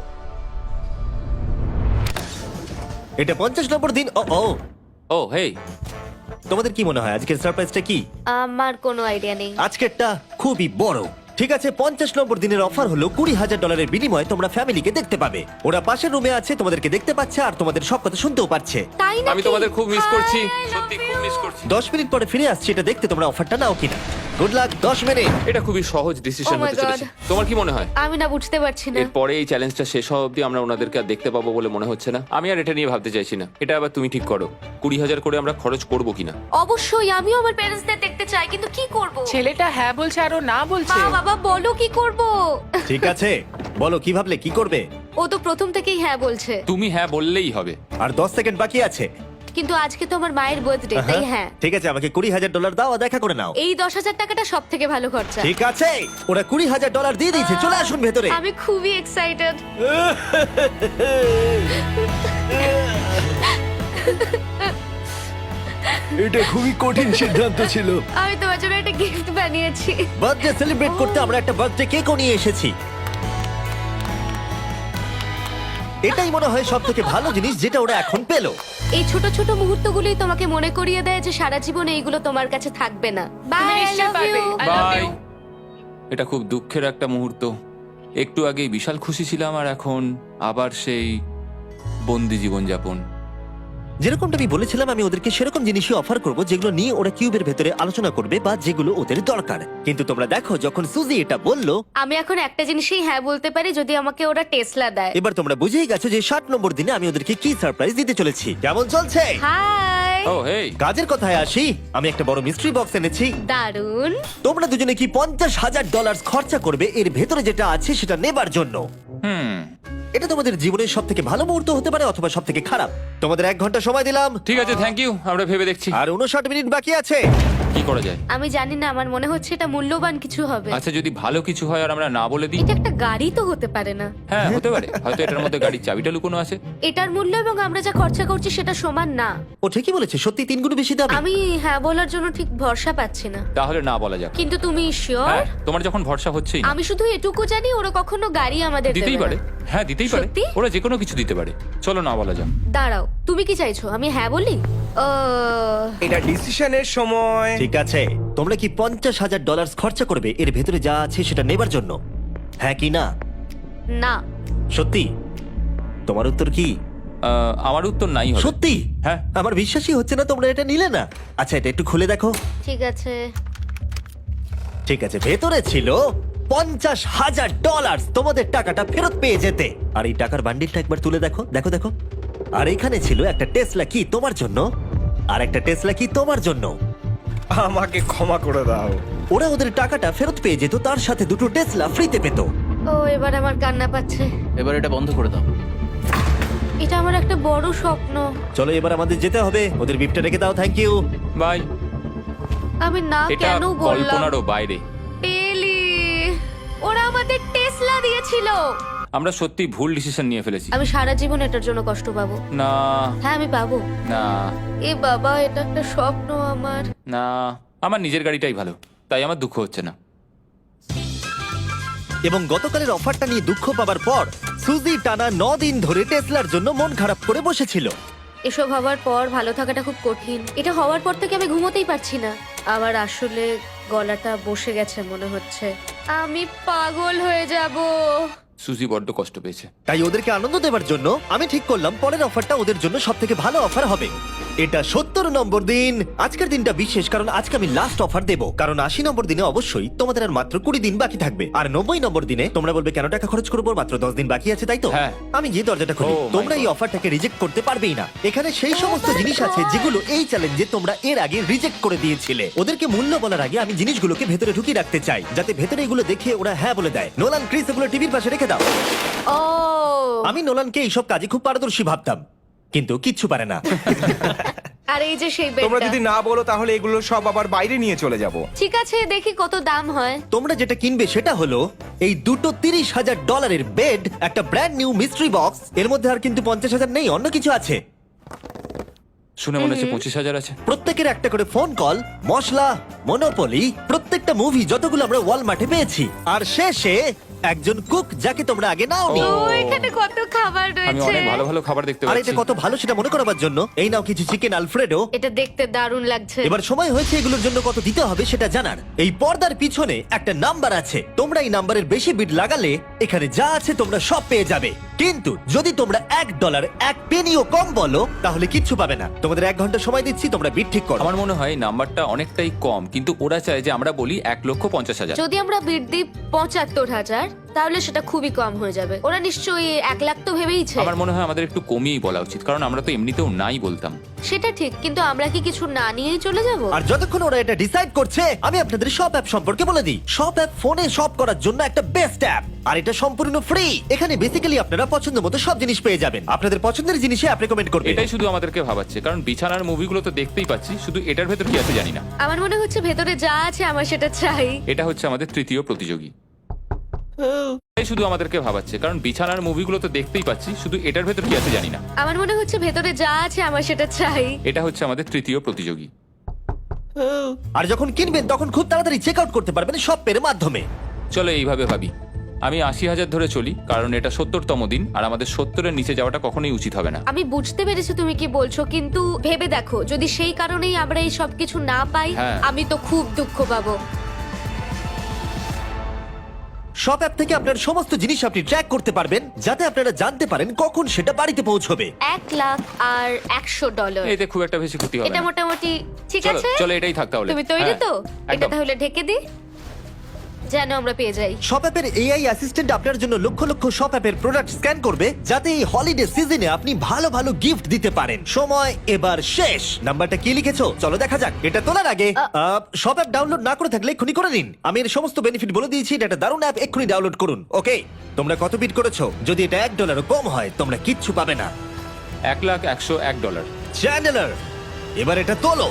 Speaker 1: এটা পঞ্চাশ নম্বর দিন। ও ও,
Speaker 2: ও হেই,
Speaker 1: তোমাদের কি মনে হয় আজকের সারপ্রাইজটা কি?
Speaker 3: আমার কোনো আইডিয়া নেই।
Speaker 1: আজকেরটা খুবই বড়। ঠিক আছে, পঞ্চাশ নম্বর দিনের অফার হলো কুড়ি হাজার ডলারের বিনিময়ে তোমরা ফ্যামিলিকে দেখতে পাবে। ওরা পাশের রুমে আছে, তোমাদেরকে দেখতে পাচ্ছে আর তোমাদের সব কথা শুনতেও পাচ্ছে।
Speaker 3: তাই না?
Speaker 2: আমি তোমাদের খুব মিস করছি, সত্যি খুব মিস করছি।
Speaker 1: দশ মিনিট পরে ফিরে আসছি এটা দেখতে তোমরা অফারটা নাও কিনা। Good luck. দশ মিনিট।
Speaker 2: এটা খুবই সহজ ডিসিশন
Speaker 3: Oh my
Speaker 2: হতে চলেছে।
Speaker 3: God.
Speaker 2: তোমার কি মনে হয়?
Speaker 3: আমি না বুঝতে পারছি না।
Speaker 2: এরপরে এই চ্যালেঞ্জটা শেষ হওয়া অবধি আমরা ওনাদেরকে আর দেখতে পাবো বলে মনে হচ্ছে না। আমি আর এটা নিয়ে ভাবতে চাইছি না। এটা আবার তুমি ঠিক করো, কুড়ি হাজার করে আমরা খরচ করবো কিনা।
Speaker 3: অবশ্যই আমিও আমার প্যারেন্টসদের দেখতে চাই, কিন্তু কি করব?
Speaker 4: ছেলেটা হ্যাঁ বলছে আর ও না বলছে।
Speaker 3: মা বাবা বলো কি করব?
Speaker 1: ঠিক আছে, বলো কি ভাবলে, কি করবে?
Speaker 3: ও তো প্রথম থেকেই হ্যাঁ বলছে।
Speaker 2: তুমি হ্যাঁ বললেই হবে।
Speaker 1: আর দশ সেকেন্ড বাকি আছে।
Speaker 3: কিন্তু আজকে তো আমার মায়ের বার্থডে, তাই হ্যাঁ।
Speaker 1: ঠিক আছে, আমাকে কুড়ি হাজার ডলার দাও আর দেখা করে নাও।
Speaker 3: এই দশ হাজার টাকাটা সব থেকে ভালো খরচা।
Speaker 1: ঠিক আছে, ওরা কুড়ি হাজার ডলার দিয়ে দিয়েছে। চলে আসুন ভেতরে।
Speaker 3: আমি খুবই এক্সাইটেড।
Speaker 1: এটা খুবই কঠিন সিদ্ধান্ত ছিল।
Speaker 3: আমি তোমার জন্য একটা গিফট বানিয়েছি।
Speaker 1: বার্থডে সেলিব্রেট করতে আমরা একটা বার্থডে কেকও নিয়ে এসেছি। এটাই মনে হয় সব থেকে ভালো জিনিস যেটা ওরা এখন পেলো।
Speaker 3: এই ছোট ছোট মুহূর্তগুলোই তোমাকে মনে করিয়ে দেয় যে সারা জীবন এইগুলো তোমার কাছে থাকবে না। বাই,
Speaker 4: তুমি
Speaker 3: আই
Speaker 4: নিশ্চয়ই
Speaker 3: লাভ
Speaker 4: পারবে।
Speaker 3: You.
Speaker 4: I love
Speaker 2: bye.
Speaker 4: you.
Speaker 2: এটা খুব দুঃখের একটা মুহূর্ত। একটু আগেই বিশাল খুশি ছিলাম আর এখন আবার সেই বন্দি জীবনযাপন।
Speaker 1: যেরকমটা আমি বলেছিলাম, আমি ওদেরকে সেরকম জিনিসই অফার করব যেগুলো নিয়ে ওরা কিউবের ভেতরে আলোচনা করবে বা যেগুলো ওদের দরকার। কিন্তু তোমরা দেখো, যখন সুজি এটা বললো,
Speaker 3: আমি এখন একটা জিনিসই হ্যাঁ বলতে পারি, যদি আমাকে ওরা টেসলা দেয়।
Speaker 1: এবার তোমরা বুঝেই গেছো যে ষাট নম্বর দিনে আমি ওদেরকে কি সারপ্রাইজ দিতে চলেছি। কেমন চলছে?
Speaker 3: হাই,
Speaker 2: ও হেই,
Speaker 1: কাজের কথায় আসি, আমি একটা বড় মিস্ট্রি বক্স এনেছি।
Speaker 3: দারুন।
Speaker 1: তোমরা দুজনে কি পঞ্চাশ হাজার ডলার খরচা করবে এর ভেতরে যেটা আছে সেটা নেবার জন্য?
Speaker 2: হুম,
Speaker 1: এটা তোমাদের জীবনের সব থেকে ভালো মুহূর্ত হতে পারে অথবা সব থেকে খারাপ। তোমাদের এক ঘন্টা সময় দিলাম
Speaker 2: ঠিক আছে, থ্যাংক ইউ, আমরা ভেবে দেখছি
Speaker 1: আর উনষাট মিনিট বাকি আছে।
Speaker 2: কি করা যায়।
Speaker 3: আমি জানি না, আমার মনে হচ্ছে এটা মূল্যবান কিছু হবে।
Speaker 2: আচ্ছা, যদি ভালো কিছু হয় আর আমরা না বলে দিই?
Speaker 3: এটা একটা গাড়ি তো হতে পারে না।
Speaker 2: হ্যাঁ, হতে পারে, হয়তো এটার মধ্যে গাড়ির চাবিটা লুকোনো আছে।
Speaker 3: এটার মূল্য এবং আমরা যা খরচা করছি সেটা সমান না।
Speaker 1: ও ঠিকই বলেছে, সত্যি তিন গুণ বেশি দাবি।
Speaker 3: আমি হ্যাঁ বলার জন্য ঠিক ভরসা পাচ্ছি না।
Speaker 2: তাহলে না বলা যাক।
Speaker 3: কিন্তু তুমি শিওর?
Speaker 2: হ্যাঁ, তোমার যখন ভরসা হচ্ছেই না।
Speaker 3: আমি শুধু এটুকু জানি, ওরা কখনো গাড়ি আমাদের
Speaker 2: দিতেই
Speaker 3: দেবে
Speaker 2: পারে,
Speaker 3: না।
Speaker 2: হ্যাঁ দিতেই পারে,
Speaker 3: সত্যি?
Speaker 2: ওরা যে কোনো কিছু দিতে পারে। চলো না বলা যাক।
Speaker 3: দাঁড়াও, তুমি কি চাইছো আমি হ্যাঁ বলি? আহ,
Speaker 7: এটা ডিসিশনের সময়।
Speaker 1: ঠিক আছে, তোমরা কি পঞ্চাশ হাজার ডলার খরচা করবে এর ভেতরে যা আছে সেটা নেবার জন্য? হ্যাঁ কি না?
Speaker 3: না।
Speaker 1: সত্যি? তোমার উত্তর কি?
Speaker 2: আহ, আমার উত্তর নাই হবে।
Speaker 1: সত্যি?
Speaker 2: হ্যাঁ।
Speaker 1: আমার বিশ্বাসই হচ্ছে না তোমরা এটা নিলে না। আচ্ছা, এটা একটু খুলে দেখো।
Speaker 3: ঠিক আছে।
Speaker 1: ঠিক আছে, ভেতরে ছিল পঞ্চাশ হাজার ডলার। তোমাদের টাকাটা ফেরত পেয়ে যেতে। আর এই টাকার বান্ডিলটা একবার তুলে দেখো, দেখো দেখো। আর এখানে ছিল একটা টেসলা কি তোমার জন্য, আর একটা টেসলা কি তোমার জন্য।
Speaker 7: আমাকে ক্ষমা করে দাও।
Speaker 1: ওরা ওদের টাকাটা ফেরত পেয়ে যেত, তার সাথে দুটো টেসলা ফ্রিতে পেত।
Speaker 3: ও, এবার আমার কান্না পাচ্ছে।
Speaker 5: এবার এটা বন্ধ করে দাও।
Speaker 3: এটা আমার একটা বড় স্বপ্ন।
Speaker 1: চলো এবার আমাদের যেতে হবে। ওদের বিপটা রেখে দাও। Thank you.
Speaker 2: বাই।
Speaker 3: আমি না
Speaker 2: এটা
Speaker 3: কেন বললাম?
Speaker 2: কল্পনারও বাইরে।
Speaker 3: পেলি, ওরা আমাদের টেসলা দিয়েছিল।
Speaker 2: আমরা সত্যি ভুল ডিসিশন নিয়ে ফেলেছি।
Speaker 3: আমি সারা জীবন এটার জন্য কষ্ট পাবো।
Speaker 2: না
Speaker 3: হ্যাঁ, আমি পাবো।
Speaker 2: না
Speaker 3: এ বাবা, এটা একটা স্বপ্ন আমার।
Speaker 2: না, আমার নিজের গাড়িটাই ভালো, তাই আমার দুঃখ হচ্ছে না।
Speaker 1: এবং গতকালের অফারটা নিয়ে দুঃখ পাবার পর সুজি টানা ন দিন ধরে টেসলার জন্য মন খারাপ করে বসেছিল।
Speaker 3: এসব হওয়ার পর ভালো থাকাটা খুব কঠিন। এটা হওয়ার পর থেকে আমি ঘুমোতেই পারছি না। আবার আসলে গলাটা বসে গেছে মনে হচ্ছে। আমি পাগল হয়ে যাব।
Speaker 2: সুজি বড্ড কষ্ট পেয়েছে।
Speaker 1: তাই ওদেরকে আনন্দ দেওয়ার জন্য আমি ঠিক করলাম পরের অফারটা ওদের জন্য সব থেকে ভালো অফার হবে। এটা সত্তর নম্বর দিন। আজকের দিনটা বিশেষ কারণ আজকে আমি লাস্ট অফার দেবো। কারণ আশি নম্বর দিনে অবশ্যই তোমাদের আর মাত্র কুড়ি দিন বাকি থাকবে। আর নব্বই নম্বর দিনে তোমরা বলবে কেন টাকা খরচ করবো, মাত্র দশ দিন বাকি আছে, তাই তো?
Speaker 2: হ্যাঁ।
Speaker 1: আমি গিয়ে দরজাটা খুলি।
Speaker 2: Oh my
Speaker 1: তোমরা এই
Speaker 2: God.
Speaker 1: অফারটাকে রিজেক্ট করতে পারবেই না। এখানে সেই সমস্ত
Speaker 3: my
Speaker 1: জিনিস আছে
Speaker 3: God.
Speaker 1: যেগুলো এই চ্যালেঞ্জে তোমরা এর আগে রিজেক্ট করে দিয়েছিলে। ওদেরকে মূল্য বলার আগে আমি জিনিসগুলোকে ভেতরে ঢুকিয়ে রাখতে চাই, যাতে ভেতরে এগুলো দেখে ওরা হ্যাঁ বলে দেয়। নোলান, ক্রিস, এগুলো টিভির পাশে রেখে দাও।
Speaker 3: ও,
Speaker 1: আমি নোলানকে এইসব কাজে খুব পারদর্শী ভাবতাম, কিন্তু কিচ্ছু পারে না।
Speaker 3: আর এই যে সেই
Speaker 7: তোমরা
Speaker 3: বেডটা।
Speaker 7: যদি না বলো তাহলে এগুলো সব আবার বাইরে নিয়ে চলে যাব।
Speaker 3: ঠিক আছে, দেখি কত দাম হয়।
Speaker 1: তোমরা যেটা কিনবে সেটা হলো এই দুটো তিরিশ হাজার ডলারের বেড, একটা ব্র্যান্ড নিউ মিস্ট্রি বক্স। এর মধ্যে আর কিন্তু পঞ্চাশ হাজার নেই, অন্য কিছু আছে।
Speaker 2: শুনে মনে হচ্ছে পঁচিশ হাজার আছে।
Speaker 1: প্রত্যেকের একটা করে ফোন কল, মশলা, মনোপলি, প্রত্যেকটা মুভি যতগুলো আমরা ওয়ালমার্টে পেয়েছি। আর শেষে একজন কুক যাকে তোমরা আগে নাওনি।
Speaker 2: ও।
Speaker 3: ও, এখানে কত খাবার
Speaker 2: আমি
Speaker 3: রয়েছে।
Speaker 2: অনেক ভালো ভালো খাবার দেখতে
Speaker 1: আর
Speaker 2: পাচ্ছি।
Speaker 1: এটা কত ভালো সেটা মনে করাবার জন্য এই নাও কিছু চিকেন আলফ্রেডো।
Speaker 3: এটা দেখতে দারুণ লাগছে।
Speaker 1: এবার সময় হয়েছে এগুলোর জন্য কত দিতে হবে সেটা জানার। এই পর্দার পিছনে একটা নাম্বার আছে। তোমরা এই নাম্বারের বেশি বিড লাগালে এখানে যা আছে তোমরা সব পেয়ে যাবে। কিন্তু যদি তোমরা এক ডলার এক পেনিও কম বলো তাহলে কিচ্ছু পাবে না। তোমাদের এক ঘন্টা সময় দিচ্ছি, তোমরা বিড ঠিক করো।
Speaker 2: আমার মনে হয় এই নাম্বারটা অনেকটাই কম, কিন্তু ওরা চায় যে আমরা বলি এক লক্ষ পঞ্চাশ হাজার।
Speaker 3: যদি আমরা বিড দিই পঁচাত্তর হাজার, তাহলে সেটা খুবই কম হয়ে যাবে। ওরা নিশ্চয়ই এক লাখ তো ভেবেইছে।
Speaker 2: আমার মনে হয় আমাদের একটু কমিয়েই বলা উচিত, কারণ আমরা তো এমনিতেও নাই বলতাম।
Speaker 3: সেটা ঠিক, কিন্তু আমরা কি কিছু না নিয়েই চলে যাব?
Speaker 1: আর যতক্ষণ ওরা এটা ডিসাইড করছে আমি আপনাদের শপ অ্যাপ সম্পর্কে বলে দিই। শপ অ্যাপ ফোনে শপ করার জন্য একটা বেস্ট অ্যাপ, আর এটা সম্পূর্ণ ফ্রি। এখানে বেসিক্যালি আপনারা পছন্দ মতো সব জিনিস পেয়ে যাবেন। আপনাদের পছন্দের জিনিসে অ্যাপ রেকমেন্ড করবে।
Speaker 2: এটাই শুধু আমাদেরকে ভাবাচ্ছে, কারণ বিছানার মুভিগুলো তো দেখতেই পাচ্ছি, শুধু এটার ভেতর কি আছে জানি না।
Speaker 3: আমার মনে হচ্ছে ভেতরে যা আছে আমার সেটা চাই।
Speaker 2: এটা হচ্ছে আমাদের তৃতীয় প্রতিযোগী। এটাই শুধু আমাদেরকে ভাবাচ্ছে, কারণ বিছানার মুভিগুলো তো দেখতেই পাচ্ছি, শুধু এটার ভেতর কি আছে জানি না।
Speaker 3: আমার মনে হচ্ছে ভেতরে যা আছে আমার সেটা চাই।
Speaker 2: এটা হচ্ছে আমাদের তৃতীয় প্রতিযোগী।
Speaker 1: আর যখন কিনবেন তখন খুব তাড়াতাড়ি চেক আউট করতে পারবেন শপ পের মাধ্যমে।
Speaker 2: চলো এইভাবে ভাবি। আমি আশি হাজার ধরে চলি, কারণ এটা সত্তরতম দিন, আর আমাদের সত্তরের নিচে যাওয়াটা কখনোই উচিত হবে না।
Speaker 3: আমি বুঝতে পেরেছি তুমি কি বলছো, কিন্তু ভেবে দেখো যদি সেই কারণেই আমরা এই সব কিছু না পাই,
Speaker 2: হ্যাঁ।
Speaker 3: আমি তো খুব দুঃখ পাবো।
Speaker 1: শপ অ্যাপ থেকে আপনার সমস্ত জিনিস আপনি ট্র্যাক করতে পারবেন, যাতে আপনারা জানতে পারেন কখন সেটা বাড়িতে পৌঁছবে।
Speaker 3: এক লাখ আর একশো ডলার
Speaker 2: এতে খুব একটা বেশি ক্ষতি হবে
Speaker 3: এটা
Speaker 2: না।
Speaker 3: মোটামুটি ঠিক
Speaker 2: চলো
Speaker 3: আছে।
Speaker 2: চলো এটাই থাক তাহলে।
Speaker 3: তুমি তৈরি
Speaker 2: হ্যাঁ,
Speaker 3: তো? এটা
Speaker 2: একদম।
Speaker 3: তাহলে ঢেকে দি, যেন আমরা পেয়ে যাই।
Speaker 1: শপ অ্যাপের এআই অ্যাসিস্ট্যান্ট আপনার জন্য লক্ষ লক্ষ শপ অ্যাপের প্রোডাক্ট স্ক্যান করবে, যাতে এই হলিডে সিজনে আপনি ভালো ভালো গিফট দিতে পারেন। সময় এবার শেষ। নাম্বারটা কি লিখেছো চলো দেখা যাক। এটা তোলার আগে শপ অ্যাপ ডাউনলোড না করে থাকলে এক্ষুনি করে নিন। আমি এর সমস্ত বেনিফিট বলে দিয়েছি। এটা একটা দারুণ অ্যাপ, এক্ষুনি ডাউনলোড করুন। ওকে, তোমরা কত বিট করেছো? যদি এটা এক ডলারও কম হয় তোমরা কিচ্ছু পাবে না।
Speaker 2: এক লাখ একশো এক ডলার।
Speaker 1: চ্যানেলার, এবার এটা তোলো।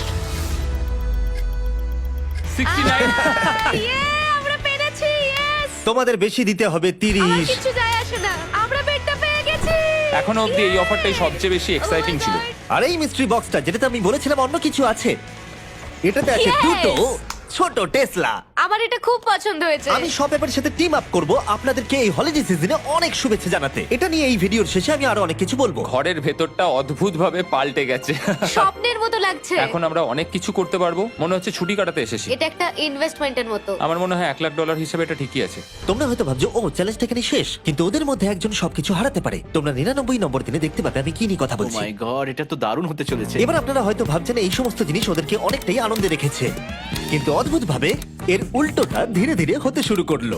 Speaker 2: Sixty nine.
Speaker 3: ইয়ে, আমরা পেরেছি। ইয়েস,
Speaker 1: তোমাদের বেশি দিতে হবে
Speaker 3: আমার
Speaker 1: তিরিশ।
Speaker 3: কিছু যায় আসে না, আমরা বেডটা পেয়ে গেছি।
Speaker 2: এখনো অব্দি এই অফারটাই সবচেয়ে বেশি এক্সাইটিং ছিল।
Speaker 1: আর এই মিস্ট্রি বক্সটা, যেটাতে আমি বলেছিলাম অন্য কিছু আছে, এটাতে আছে
Speaker 3: Yes!
Speaker 1: দুটো ছোট টেসলা।
Speaker 3: আমার এটা খুব পছন্দ হয়েছে।
Speaker 1: আমি শপ অ্যাপের সাথে টিম আপ করব আপনাদেরকে এই হলিডে সিজনে অনেক শুভেচ্ছা জানাতে। এটা নিয়ে এই ভিডিওর শেষে আমি আরো অনেক কিছু বলবো।
Speaker 2: ঘরের ভেতরটা অদ্ভুত ভাবে পাল্টে গেছে।
Speaker 3: স্বপ্নের মতো লাগছে।
Speaker 2: এখন আমরা অনেক কিছু করতে পারবো, মনে হচ্ছে ছুটি কাটাতে এসেছি।
Speaker 3: এটা একটা ইনভেস্টমেন্টের মতো।
Speaker 2: আমার মনে হয় এক লাখ ডলার হিসেবে এটা ঠিকই আছে।
Speaker 1: তোমরা হয়তো ভাবছো ও চ্যালেঞ্জটা এখানে শেষ, কিন্তু ওদের মধ্যে একজন সবকিছু হারাতে পারে। তোমরা নিরানব্বই নম্বর দিনে দেখতে পাবে আমি কি নিয়ে কথা
Speaker 5: ও
Speaker 1: বলছি।
Speaker 5: মাই গড, এটা তো দারুণ হতে চলেছে।
Speaker 1: এবার আপনারা হয়তো ভাবছেন এই সমস্ত জিনিস ওদেরকে অনেকটাই আনন্দে রেখেছে, কিন্তু অদ্ভুত ভাবে এর উল্টোটা ধীরে ধীরে হতে শুরু করলো।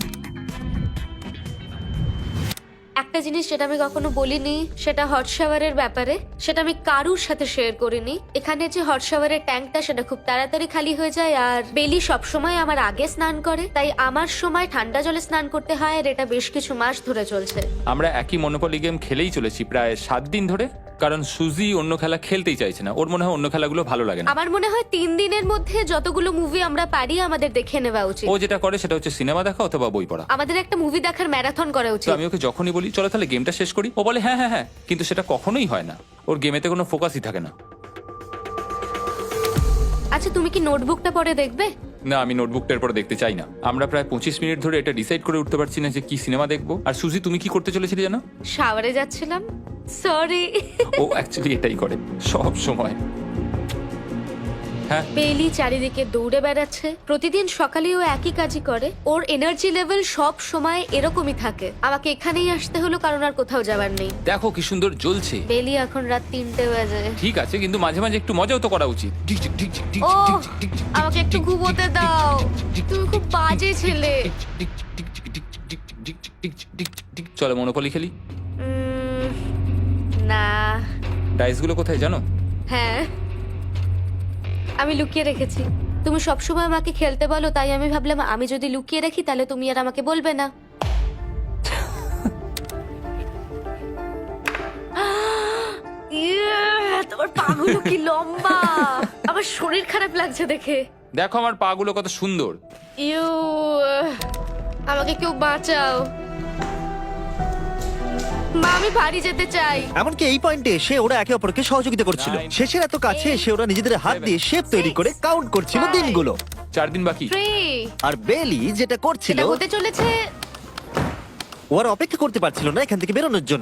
Speaker 3: একটা জিনিস যেটা আমি কখনো বলিনি, সেটা হট শাওয়ারের ব্যাপারে। সেটা আমি কারুর সাথে শেয়ার করিনি। এখানে যে হট শাওয়ারের ট্যাঙ্কটা, সেটা খুব তাড়াতাড়ি খালি হয়ে যায়। আর বেলি সবসময় আমার আগে স্নান করে, তাই আমার সময় ঠান্ডা জলে স্নান করতে হয়। আর এটা বেশ কিছু মাস ধরে চলছে।
Speaker 2: আমরা একই মনোপলি গেম খেলেই চলেছি প্রায় সাত দিন ধরে, কারণ সুজি অন্য খেলা খেলতেই চাইছে না। ওর মনে হয় অন্য খেলাগুলো ভালো লাগে না।
Speaker 3: আমার মনে হয় তিন দিনের মধ্যে যতগুলো মুভি আমরা পারি আমাদের দেখে নেওয়া উচিত।
Speaker 2: ও যেটা করে সেটা হচ্ছে সিনেমা দেখা অথবা বই পড়া।
Speaker 3: আমাদের একটা মুভি দেখার ম্যারাথন করা
Speaker 2: তো
Speaker 3: উচিত।
Speaker 2: আমি ওকে যখনই বলি চলো তাহলে গেমটা শেষ করি, ও বলে হ্যাঁ হ্যাঁ হ্যাঁ, কিন্তু সেটা কখনোই হয় না। ওর গেমেতে কোনো ফোকাসই থাকে না।
Speaker 3: আচ্ছা, তুমি কি নোটবুকটা পরে দেখবে?
Speaker 2: না, আমি নোটবুকটার পর দেখতে চাই না। আমরা প্রায় পঁচিশ মিনিট ধরে এটা ডিসাইড করে উঠতে পারছি না যে কি সিনেমা দেখবো। আর সুজি, তুমি কি করতে চলেছিলে জানো?
Speaker 3: শাওয়ারে যাচ্ছিলাম। সরি।
Speaker 2: ও অ্যাকচুয়ালি এটাই করে সব সময়। হ্যাঁ,
Speaker 3: বেলি চারিদিকে দৌড়ে বেড়াচ্ছে। প্রতিদিন সকালে ও একই কাজই করে। ওর এনার্জি লেভেল সব সময় এরকমই থাকে। আমাকে এখানেই আসতে হলো, কারণ আর কোথাও যাবার নেই।
Speaker 2: দেখো কি সুন্দর জ্বলছে।
Speaker 3: বেলি এখন রাত তিনটে বাজে।
Speaker 2: ঠিক আছে, কিন্তু মাঝে মাঝে একটু মজাও তো করা উচিত।
Speaker 3: ও, আমাকে একটু ঘুমোতে দাও। তুমি খুব বাজে ছেলে।
Speaker 2: চলো মনোপলি খেলি।
Speaker 3: উম, না।
Speaker 2: ডাইসগুলো কোথায় জানো?
Speaker 3: হ্যাঁ, আমি লুকিয়ে রেখেছি। তুমি সবসময় আমাকে খেলতে বলো, তাই আমি ভাবলাম আমি যদি লুকিয়ে রাখি তাহলে তুমি আর আমাকে বলবে না। ইয়ে, তোমার পাগুলো কি লম্বা! আমার শরীর খারাপ লাগছে দেখে।
Speaker 2: দেখো আমার পাগুলো কত সুন্দর।
Speaker 3: ইউ, আমাকে কেউ বাঁচাও। মা, আমি বাড়ি যেতে চাই।
Speaker 1: এমনকি এই পয়েন্টে এসে ওরা একে অপরকে সহযোগিতা করছিল।
Speaker 2: Nine,
Speaker 1: শেষের এত কাছে
Speaker 3: eight,
Speaker 1: এসে ওরা নিজেদের হাত
Speaker 2: seven,
Speaker 1: দিয়ে শেপ তৈরি করে কাউন্ট করছিল
Speaker 3: five,
Speaker 1: দিনগুলো।
Speaker 2: চার দিন বাকি।
Speaker 3: থ্রি।
Speaker 1: আর বেলি যেটা করছিল,
Speaker 3: এটা হতে চলেছে।
Speaker 1: ও আর অপেক্ষা করতে পারছিল না এখান থেকে বেরোনোর জন্য।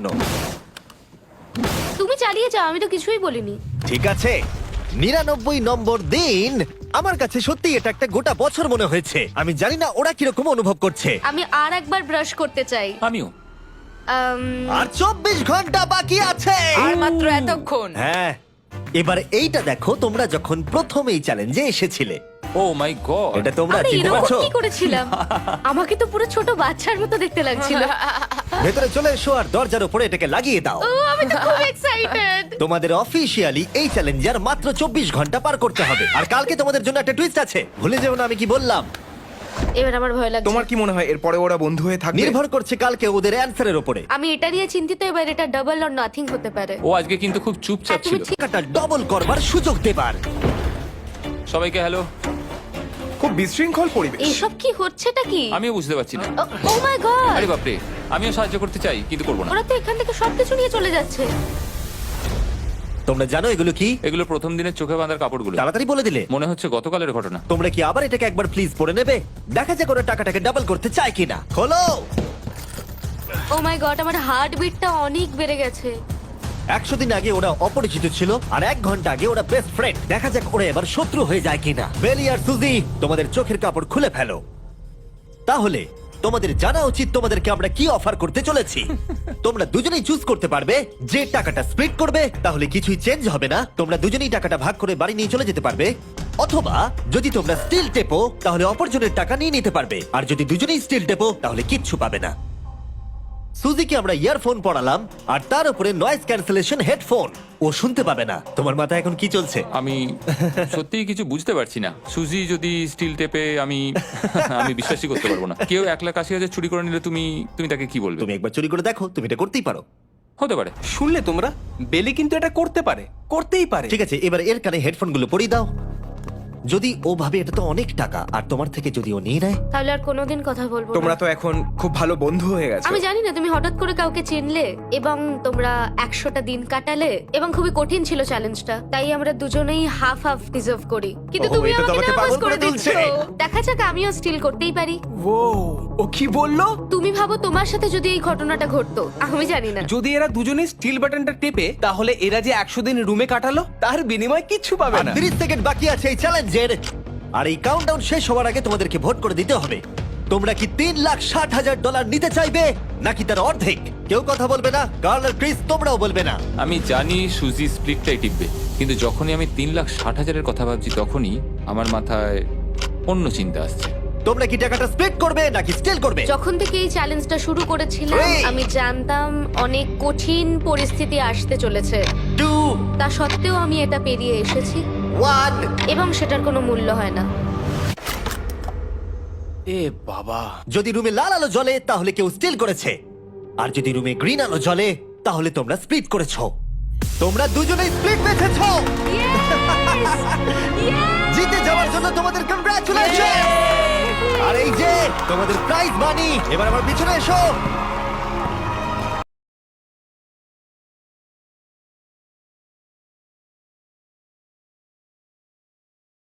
Speaker 3: তুমি চালিয়ে যাও, আমি তো কিছুই বলিনি।
Speaker 1: ঠিক আছে, নিরানব্বই নম্বর দিন। আমার কাছে সত্যি এটা একটা গোটা বছর মনে হয়েছে। আমি জানি না ওরা কিরকম অনুভব করছে।
Speaker 3: আমি আর একবার ব্রাশ করতে চাই।
Speaker 2: আমিও।
Speaker 3: আম,
Speaker 1: আর চব্বিশ ঘন্টা বাকি আছে।
Speaker 4: আর মাত্র এতক্ষণ।
Speaker 1: হ্যাঁ, এবার এইটা দেখো, তোমরা যখন প্রথম এই চ্যালেঞ্জে এসেছিলে,
Speaker 2: ও মাই গড।
Speaker 1: এটা তোমরা
Speaker 3: আরে
Speaker 1: চিনতে
Speaker 3: এরকম
Speaker 1: পারছো?
Speaker 3: কি করেছিলাম? আমাকে তো পুরো ছোট বাচ্চার মতো দেখতে লাগছিল।
Speaker 1: ভেতরে চলে এসো আর দরজার উপরে এটাকে লাগিয়ে দাও।
Speaker 3: ও, আমি তো খুব এক্সাইটেড।
Speaker 1: তোমাদের অফিসিয়ালি এই চ্যালেঞ্জার মাত্র চব্বিশ ঘন্টা পার করতে হবে। আর কালকে তোমাদের জন্য একটা টুইস্ট আছে, ভুলে যেও না আমি কি বললাম।
Speaker 3: এবার আমার ভয় লাগছে।
Speaker 7: তোমার কি মনে হয় এরপরে ওরা বন্ধু হয়ে থাকবে?
Speaker 1: নির্ভর করছে কালকে ওদের অ্যানসারের উপরে।
Speaker 3: আমি এটা নিয়ে চিন্তিত। এবার এটা ডাবল অর নাথিং হতে পারে।
Speaker 2: ও আজকে কিন্তু খুব চুপচাপ
Speaker 3: হ্যাঁ, তুমি
Speaker 2: ছিল।
Speaker 3: ঠিক-
Speaker 1: টাকাটা ডবল করবার সুযোগ দেবার।
Speaker 2: সবাইকে হ্যালো।
Speaker 7: খুব বিশৃঙ্খল পরিবেশ।
Speaker 3: এইসব কি হচ্ছেটা কি?
Speaker 2: আমিও বুঝতে পারছি না।
Speaker 3: Oh my god!
Speaker 2: আরে বাপরে, আমিও সাহায্য করতে চাই কিন্তু করবো না।
Speaker 3: ওরা তো এখান থেকে সবকিছু নিয়ে চলে যাচ্ছে।
Speaker 1: তোমরা জানো এগুলো কি?
Speaker 2: এগুলো প্রথম দিনের চোখে বাঁধার কাপড়গুলো।
Speaker 1: তাড়াতাড়ি বলে দিলে।
Speaker 2: মনে হচ্ছে গতকালের ঘটনা।
Speaker 1: তোমরা কি আবার এটাকে একবার প্লিজ পড়ে নেবে? দেখা যাক ওরা টাকাটাকে ডাবল করতে চায় কিনা। খোলো।
Speaker 3: ও মাই গড, আমার হার্ট বিটটা অনেক বেড়ে গেছে।
Speaker 1: একশো দিন আগে ওরা অপরিচিত ছিল, আর এক ঘন্টা আগে ওরা বেস্ট ফ্রেন্ড। দেখা যাক ওরা এবার শত্রু হয়ে যায় কিনা। বেলি আর সুজি, তোমাদের চোখের কাপড় খুলে ফেলো। তাহলে তোমাদের জানা উচিত তোমাদেরকে আমরা কি অফার করতে চলেছি। তোমরা দুজনেই চুজ করতে পারবে যে টাকাটা স্প্লিট করবে, তাহলে কিছুই চেঞ্জ হবে না, তোমরা দুজনেই টাকাটা ভাগ করে বাড়ি নিয়ে চলে যেতে পারবে। অথবা যদি তোমরা স্টিল টেপো তাহলে অপরজনের টাকা নিয়ে নিতে পারবে, আর যদি দুজনেই স্টিল টেপো তাহলে কিচ্ছু পাবে না। সুজিকে আমরা ইয়ারফোন পড়ালাম আর তার উপরে নয়েজ ক্যান্সেলেশন হেডফোন, ও শুনতে পাবে না। তোমার মাথায় এখন কি চলছে?
Speaker 2: আমি সত্যিই কিছু বুঝতে পারছি না। সুজি যদি স্টিল টেপে, আমি আমি বিশ্বাসই করতে পারবো না। কেউ এক লাখ আশি হাজার চুরি করে নিলে তুমি তুমি তাকে কি বলবে?
Speaker 1: তুমি একবার চুরি করে দেখো, তুমি এটা করতেই পারো।
Speaker 2: হতে পারে।
Speaker 8: শুনলে তোমরা, বেলি কিন্তু এটা করতে পারে, করতেই পারে।
Speaker 1: ঠিক আছে, এবার এর কানে হেডফোন গুলো পরিয়ে দাও। যদি ও ভাবে এটা তো অনেক টাকা, আর তোমার থেকে যদি ও নিয়ে নেয়,
Speaker 3: তাহলে আর কোনোদিন কথা বলবো
Speaker 7: তোমরা
Speaker 3: না।
Speaker 7: তো এখন খুব ভালো বন্ধু হয়ে গেছো।
Speaker 3: আমি জানি না তুমি হঠাৎ করে কাউকে চিনলে এবং তোমরা একশোটা দিন কাটালে এবং খুবই কঠিন ছিল চ্যালেঞ্জটা, তাই আমরা দুজনেই হাফ হাফ ডিজার্ভ করি। কিন্তু
Speaker 1: ওহো,
Speaker 3: তুমি
Speaker 1: এটা তো
Speaker 3: আমাকে
Speaker 1: আমাকে
Speaker 3: নার্ভাস
Speaker 1: পাগল করে
Speaker 3: করে দিচ্ছ।
Speaker 1: তুলছে।
Speaker 3: দেখা যাক, আমিও স্টিল করতেই পারি।
Speaker 8: ও ও কি বললো?
Speaker 3: তুমি ভাবো তোমার সাথে যদি এই ঘটনাটা ঘটতো, আমি জানি না।
Speaker 8: যদি এরা দুজনে স্টিল বাটনটা টেপে, তাহলে এরা যে একশো দিন রুমে কাটালো তার বিনিময়ে কিচ্ছু পাবে
Speaker 1: আর
Speaker 8: না।
Speaker 1: তিরিশ সেকেন্ড বাকি আছে এই চ্যালেঞ্জের, আর এই কাউন্টডাউন শেষ হওয়ার আগে তোমাদেরকে ভোট করে দিতে হবে। তোমরা কি তিন লাখ ষাট হাজার ডলার নিতে চাইবে নাকি তার অর্ধেক? কেউ কথা বলবে না, কার্ল আর ক্রিস তোমরাও বলবে না।
Speaker 2: আমি জানি সুজি স্প্লিটটাই টিপবে, কিন্তু যখনই আমি তিন লাখ ষাট হাজারের কথা ভাবছি তখনই আমার মাথায় অন্য চিন্তা আসছে।
Speaker 1: তোমরা কি টাকাটা স্প্লিট করবে নাকি স্টিল করবে?
Speaker 3: যখন থেকে এই চ্যালেঞ্জটা শুরু করেছিলাম
Speaker 1: Three.
Speaker 3: আমি জানতাম অনেক কঠিন পরিস্থিতি আসতে চলেছে,
Speaker 1: টু,
Speaker 3: তা সত্ত্বেও আমি এটা পেরিয়ে এসেছি
Speaker 1: ওয়ান।
Speaker 3: এবং সেটার কোনো মূল্য হয় না।
Speaker 8: এ বাবা,
Speaker 1: যদি রুমে লাল আলো জ্বলে তাহলে কেউ স্টিল করেছে, আর যদি রুমে গ্রিন আলো জ্বলে তাহলে তোমরা স্প্লিট করেছো। তোমরা দুজনেই স্প্লিট বেঁচেছো। জিতে যাওয়ার জন্য তোমাদের কংগ্রাচুলেশন। আর এই যে তোমাদের প্রাইজ মানি, এবার আমার পিছনে এসো।